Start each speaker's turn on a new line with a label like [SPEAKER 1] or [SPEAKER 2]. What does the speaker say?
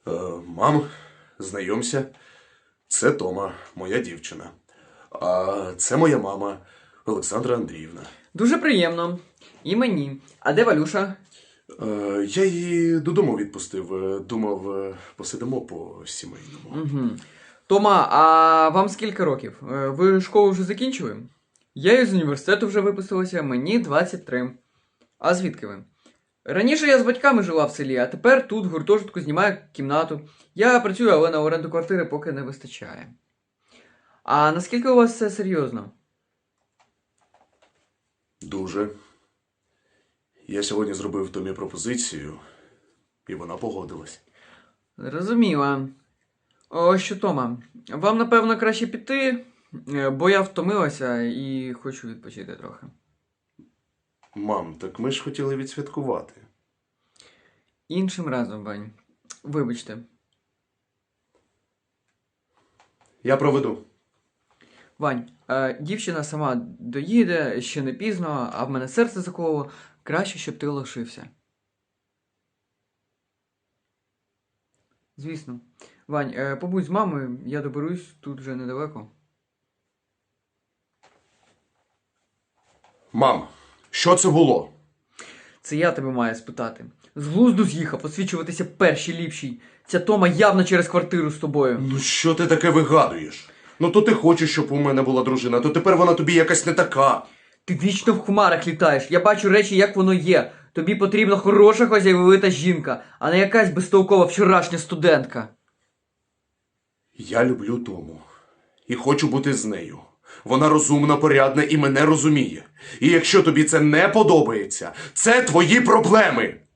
[SPEAKER 1] Мам, знайомся. Це Тома, моя дівчина. А це моя мама Олександра Андріївна.
[SPEAKER 2] Дуже приємно. І мені. А де Валюша?
[SPEAKER 1] Я її додому відпустив. Думав, посидимо по-сімейному.
[SPEAKER 2] Угу. Тома, а вам скільки років? Ви школу вже закінчили? Я із університету вже випустилася, мені 23. А звідки ви? Раніше я з батьками жила в селі, а тепер тут в гуртожитку знімаю кімнату. Я працюю, але на оренду квартири поки не вистачає. А наскільки у вас все серйозно?
[SPEAKER 1] Дуже. Я сьогодні зробив Томі пропозицію, і вона погодилась.
[SPEAKER 2] Зрозуміла. Ось що, Тома, вам, напевно, краще піти, бо я втомилася і хочу відпочити трохи.
[SPEAKER 1] Мам, так ми ж хотіли відсвяткувати.
[SPEAKER 2] Іншим разом, Вань. Вибачте.
[SPEAKER 1] Я проведу.
[SPEAKER 2] Вань, дівчина сама доїде, ще не пізно, а в мене серце закололо. Краще, щоб ти лишився. Звісно. Вань, побудь з мамою, я доберусь, тут вже недалеко.
[SPEAKER 1] Мам, що це було?
[SPEAKER 2] Це я тебе маю спитати. З глузду з'їхав, освічуватися першій ліпшій. Ця Тома явно через квартиру з тобою.
[SPEAKER 1] Ну що ти таке вигадуєш? Ну то ти хочеш, щоб у мене була дружина, то тепер вона тобі якась не така.
[SPEAKER 2] Ти вічно в хмарах літаєш. Я бачу речі, як воно є. Тобі потрібна хороша хазяйвовита жінка, а не якась безтолкова вчорашня студентка.
[SPEAKER 1] Я люблю Тому. І хочу бути з нею. Вона розумна, порядна і мене розуміє. І якщо тобі це не подобається, це твої проблеми.